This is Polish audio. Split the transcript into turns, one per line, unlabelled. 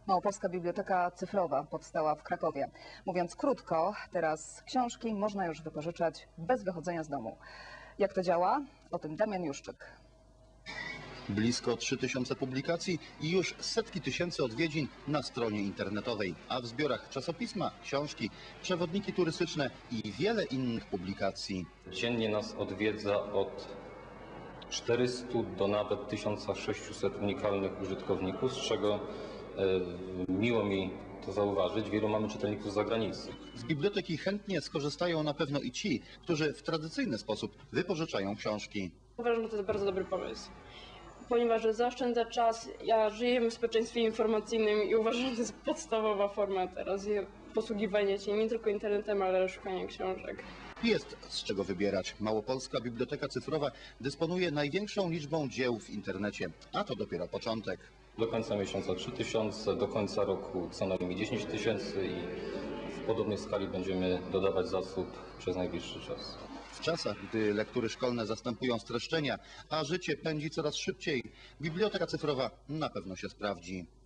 Małopolska Biblioteka Cyfrowa powstała w Krakowie. Mówiąc krótko, teraz książki można już wypożyczać bez wychodzenia z domu. Jak to działa? O tym Damian Juszczyk.
Blisko 3000 publikacji i już setki tysięcy odwiedzin na stronie internetowej, a w zbiorach czasopisma, książki, przewodniki turystyczne i wiele innych publikacji.
Dziennie nas odwiedza od 400 do nawet 1600 unikalnych użytkowników, z czego miło mi to zauważyć, wielu mamy czytelników z zagranicy.
Z biblioteki chętnie skorzystają na pewno i ci, którzy w tradycyjny sposób wypożyczają książki.
Uważam, że to jest bardzo dobry pomysł, ponieważ zaoszczędza czas. Ja żyję w społeczeństwie informacyjnym i uważam, że to jest podstawowa forma teraz posługiwania się nie tylko internetem, ale szukania książek.
Jest z czego wybierać. Małopolska Biblioteka Cyfrowa dysponuje największą liczbą dzieł w internecie, a to dopiero początek.
Do końca miesiąca 3000, do końca roku co najmniej 10 000 i w podobnej skali będziemy dodawać zasób przez najbliższy czas.
W czasach, gdy lektury szkolne zastępują streszczenia, a życie pędzi coraz szybciej, Biblioteka Cyfrowa na pewno się sprawdzi.